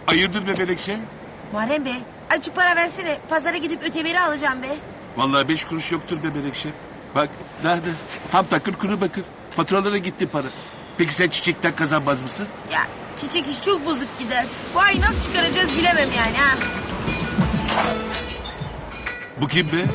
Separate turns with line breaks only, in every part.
Hayırdır be Menekşe?
Muharrem Bey, açık para versene. Pazara gidip öteberi alacağım be.
Vallahi 5 kuruş yoktur be Menekşe. Bak nerede? Tam takır kuru bakır. Faturalara gitti para. Peki sen çiçekten kazanmaz mısın?
Ya çiçek iş çok bozuk gider. Bu ay nasıl çıkaracağız bilemem yani ha.
Bu kim be?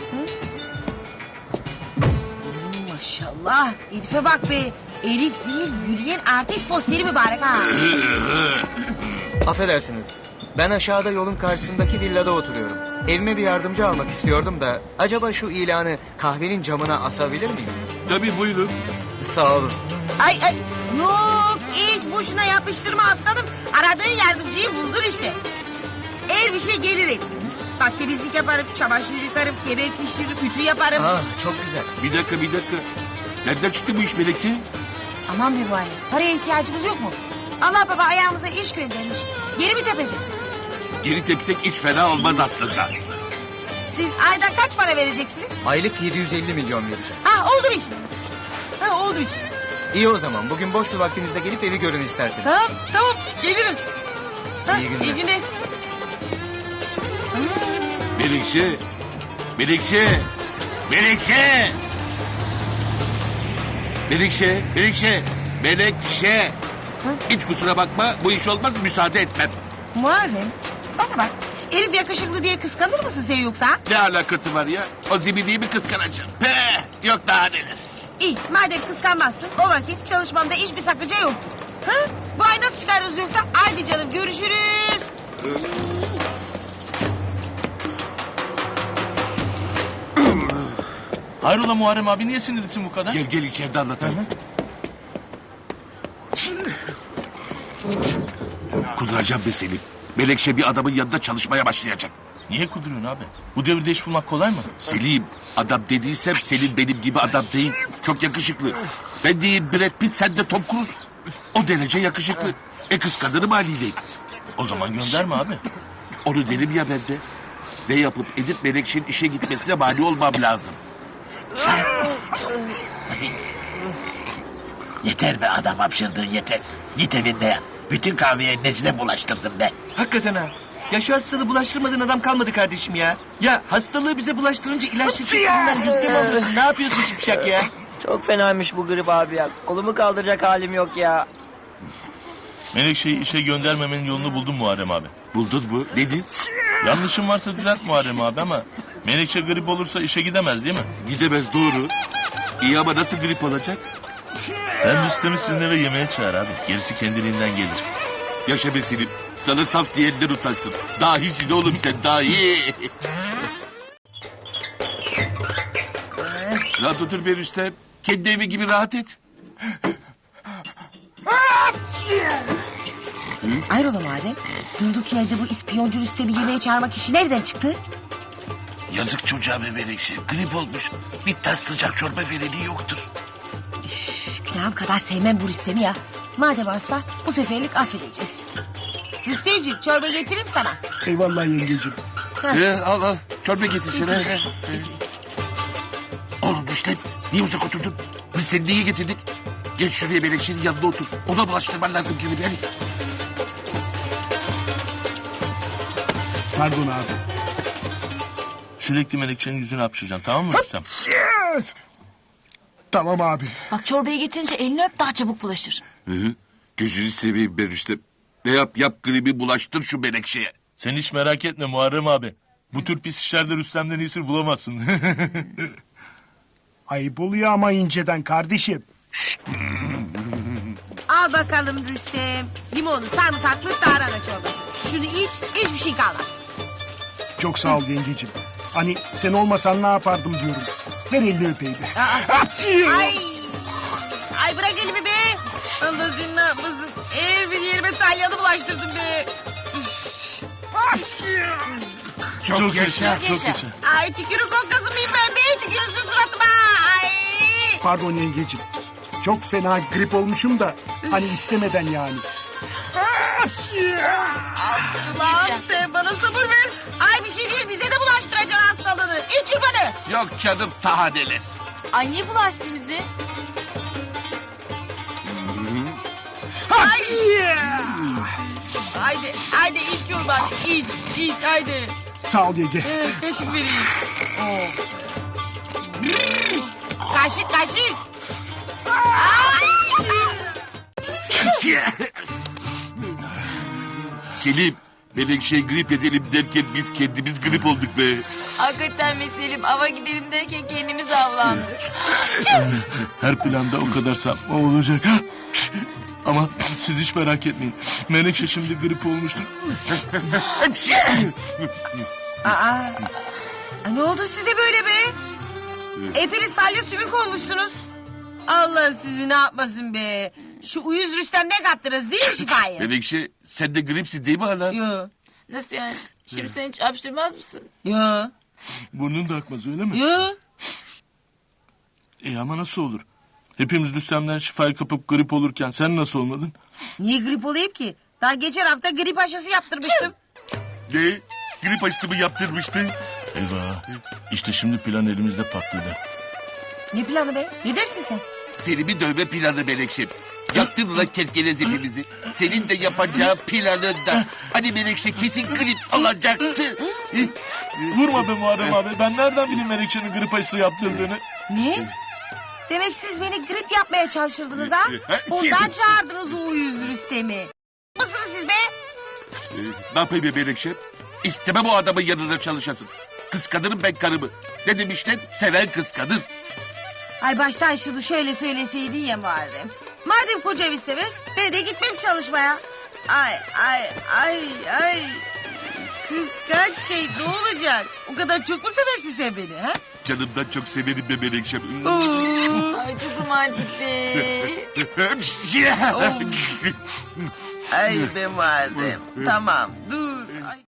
Maşallah. Elif'e bak be. Elif değil, yürüyen artist posteri mübarek ha.
Affedersiniz. Ben aşağıda yolun karşısındaki villada oturuyorum. Evime bir yardımcı almak istiyordum da... acaba şu ilanı kahvenin camına asabilir miyim?
Tabii buyurun.
Sağ olun.
Ay yok hiç boşuna yapıştırma aslanım. Aradığın yardımcıyı buldun işte. Eğer bir şey gelirim. Bak temizlik yaparım, çamaşır yıkarım, yemek pişiririm, ütü yaparım.
Ah, çok güzel.
Bir dakika. Nereden çıktı bu iş Melekçe?
Aman mübarek, paraya ihtiyacımız yok mu? Allah baba ayağımıza iş göndermiş. Geri mi tepeceğiz?
Geri tepsek hiç fena olmaz aslında.
Siz ayda kaç para vereceksiniz?
Aylık 750 milyon vereceğim.
Ha oldu bir iş. Ha oldu bir iş.
İyi o zaman. Bugün boş bir vaktinizde gelip evi görün isterseniz.
Tamam gelirim. Ha,
İyi günler.
İyi günler.
Menekşe. Hiç kusura bakma bu iş olmaz müsaade etmem.
Muharrem bana bak. Elif yakışıklı diye kıskanır mısın sen yoksa?
Ne alakası var ya? O zibidiyı mi kıskanacağım? Yok daha neler.
İyi madem kıskanmazsın o vakit çalışmamda hiçbir sakınca yoktur. Ha? Bu ay nasıl çıkarırız yoksa? Haydi canım görüşürüz.
Hayrola Muharrem abi niye sinirlisin bu kadar?
Gel içeride anlatalım. Kuduracağım be Selim. Melekşe bir adamın yanında çalışmaya başlayacak.
Niye kuduruyorsun abi? Bu devirde iş bulmak kolay mı?
Selim, adam dediysem Selim benim gibi adam değil. Çok yakışıklı. Ben diyeyim Brad Pitt, sen de Tom Cruise. O derece yakışıklı. Kıskanırım haliyle.
O zaman gönderme abi.
Onu derim ya ben de. Ne yapıp edip Menekşe'nin işe gitmesine mani olmam lazım.
Yeter be adam hapşırdığın yeter. Git evinde yat. Bütün kahveyi nesine bulaştırdım be.
Hakikaten ha. Ya şu hastalığı bulaştırmadığın adam kalmadı kardeşim ya. Ya hastalığı bize bulaştırınca ilaç şirketlerinden yüzde mi alıyorsun? Ne yapıyorsun şipşak ya?
Çok fenaymış bu grip abi ya. Kolumu kaldıracak halim yok ya.
Menekşe'yi işe göndermemenin yolunu buldum Muharrem abi.
Buldun mu? Nedir?
Yanlışım varsa düzelt Muharrem abi ama... Menekşe grip olursa işe gidemez değil mi?
Gidemez doğru. İyi ama nasıl grip olacak?
Sen Rüstem'i sizin eve yemeğe çağır abi. Gerisi kendiliğinden gelir.
Yaşa be Selim. Sana saf diyenler utansın. Dahisin oğlum sen dahi. Rahat otur be Rüstem. Kendi evi gibi rahat et.
Hayrola Muharrem? Durduk yerde bu ispiyoncu Rüstem'i yemeğe çağırmak işi nereden çıktı?
Yazık çocuğa be Menekşe. Grip olmuş. Bir tas sıcak çorba vereni yoktur.
Günahım kadar sevmem bu Rüstem'i ya. Madem hasta bu seferlik affedeceğiz. Rüstemciğim çorba getireyim sana.
Eyvallah yengeciğim.
Al. Çorba getir şuna. Oğlum Rüstem niye uzak oturdun? Biz seni niye getirdik? Geç şuraya Menekşe'nin yanında otur. Ona bulaştırman lazım gibi yani.
Pardon abi.
Sürekli Menekşe'nin yüzünü hapşıracaksın tamam mı Rüstem?
Tamam abi.
Bak çorbayı getirince elini öp daha çabuk bulaşır.
Hı. Gözünü seveyim ben Rüstem. Ne yap gribi bulaştır şu Menekşe'ye.
Sen hiç merak etme Muharrem abi. Bu tür pis işlerde Rüstem'den iyisini bulamazsın.
Ayıp oluyor ama inceden kardeşim.
Al bakalım Rüstem. Limonlu sarımsaklı tarhana çorbası. Şunu iç hiçbir şey kalmaz.
Çok sağ ol yengeciğim. Hani sen olmasan ne yapardım diyorum. Ver elini öpeyim.
Ay bırak elimi be. Allah senin ne yapmasın. Her bir yerime salyanı bulaştırdın be.
Çok yaşa.
Çok yaşa.
Ay tükürük kokkası mıyım ben be? Tükürürsün suratıma. Ay.
Pardon yengeciğim. Çok fena grip olmuşum da hani istemeden yani.
Ulan sen bana sabır ver. Ay bir şey değil bize de bulaştıracaksın hastalığını. İç çırpanı.
Yok canım tahaneler.
Ay niye bulaşsın bizi?
Haydi, haydi iç çorbanı, iç, haydi.
Sağ ol yenge.
Kaşık vereyim. Kaşık.
Selim, Menekşe grip edelim derken biz kendimiz grip olduk be.
Hakikaten Selim ava gidelim derken kendimiz avlandık.
Her planda o kadar sapma olacak. Ama siz hiç merak etmeyin. Menekşe şimdi grip olmuştur.
Ne oldu size böyle be? Hepiniz salya sümük olmuşsunuz. Allah sizi ne yapmasın be. Şu uyuz Rüstem'den kaptınız değil mi şifayı?
Menekşe sen de gripsin değil mi hala?
Yo,
Nasıl yani? Şimdi sen hiç hapşırmaz mısın?
yo,
Burnun da akmaz öyle mi?
yo.
Ama nasıl olur? Hepimiz Rüstem'den şifayı kapıp grip olurken sen nasıl olmadın?
Niye grip olayım ki? Daha geçen hafta grip aşısı yaptırmıştım.
Ne? Grip aşısı mı yaptırmıştı?
Eyvah. İşte şimdi plan elimizde patladı.
Ne planı be? Ne dersin sen?
Seni bir dövme planı Menekşe. Yaptın lan kerkelez hepimizi. Senin de yapacağın planı da. Hani Menekşe kesin grip alacaktı.
Vurma be Muharrem abi. Ben nereden bileyim Menekşe'nin grip aşısı yaptırdığını?
Ne? Demek siz beni grip yapmaya çalışırdınız ha? Ondan çağırdınız o uyuz Rüstem'i. Mısınız siz be?
Ne yapayım be Menekşe? İstemem o adamın yanında çalışasın. Kıskanırım ben karımı. Ne demişler? Seven kıskanır.
Ay baştan şunu şöyle söyleseydin ya Muharrem. Madem kocam istemez ben de gitmem çalışmaya. Ay. Kıskanç şey ne olacak? O kadar çok mu seversin sen beni ha?
Canımdan çok severim be Menekşe.
Ay çok romantik be.
Ay be Muharrem. Tamam dur. Ay.